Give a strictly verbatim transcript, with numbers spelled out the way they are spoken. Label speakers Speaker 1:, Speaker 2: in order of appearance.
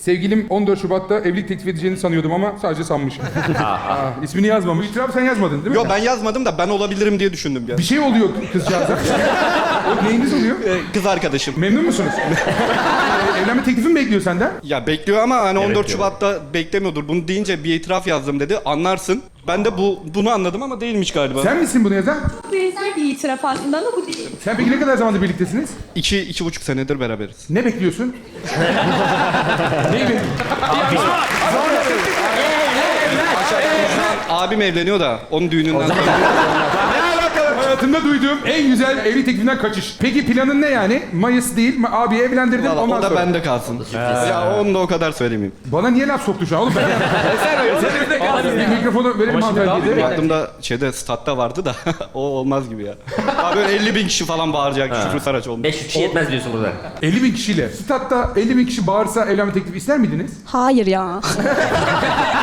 Speaker 1: Sevgilim on dört Şubat'ta evlilik teklif edeceğini sanıyordum ama sadece sanmışım. Aa, ismini yazmamış. İtiraf sen yazmadın değil mi?
Speaker 2: Yo ben yazmadım da ben olabilirim diye düşündüm ya.
Speaker 1: Bir şey oluyor kızcağıza. O neyiniz oluyor?
Speaker 2: Ee, kız arkadaşım.
Speaker 1: Memnun musunuz? Ee, Evlenme teklifi mi bekliyor senden?
Speaker 2: Ya bekliyor ama hani on dört
Speaker 3: diyor.
Speaker 2: Şubat'ta beklemiyordur. Bunu deyince bir itiraf yazdım dedi. Anlarsın. Ben de bu bunu anladım ama değilmiş galiba.
Speaker 1: Sen misin bunu yazan?
Speaker 4: Benzer bir itiraf aslında ama bu değil.
Speaker 1: Sen peki ne kadar zamandır birliktesiniz?
Speaker 2: İki, iki buçuk senedir beraberiz.
Speaker 1: Ne bekliyorsun? Neyi bekliyorsun?
Speaker 2: Abim evleniyor da onun düğününden sonra.
Speaker 1: Hayatımda duyduğum en güzel evlilik teklifinden kaçış. Peki planın ne yani? Mayıs değil mi? Abi evlendirdim
Speaker 2: Valla
Speaker 1: ondan
Speaker 2: o da
Speaker 1: sonra.
Speaker 2: bende kalsın. Ya onu da o kadar söylemeyeyim.
Speaker 1: Bana niye laf soktu şu an oğlum? Ben bir mikrofonu verelim hanımefendiye.
Speaker 2: Baktığımda şeyde statta vardı da o olmaz gibi ya. Abi böyle elli bin kişi falan bağıracak Şükrü Saraç olmuş.
Speaker 3: beş yüz kişi yetmez diyorsun burada.
Speaker 1: elli bin kişiyle. Statta elli bin kişi bağırsa evlenme teklifi ister miydiniz?
Speaker 4: Hayır ya.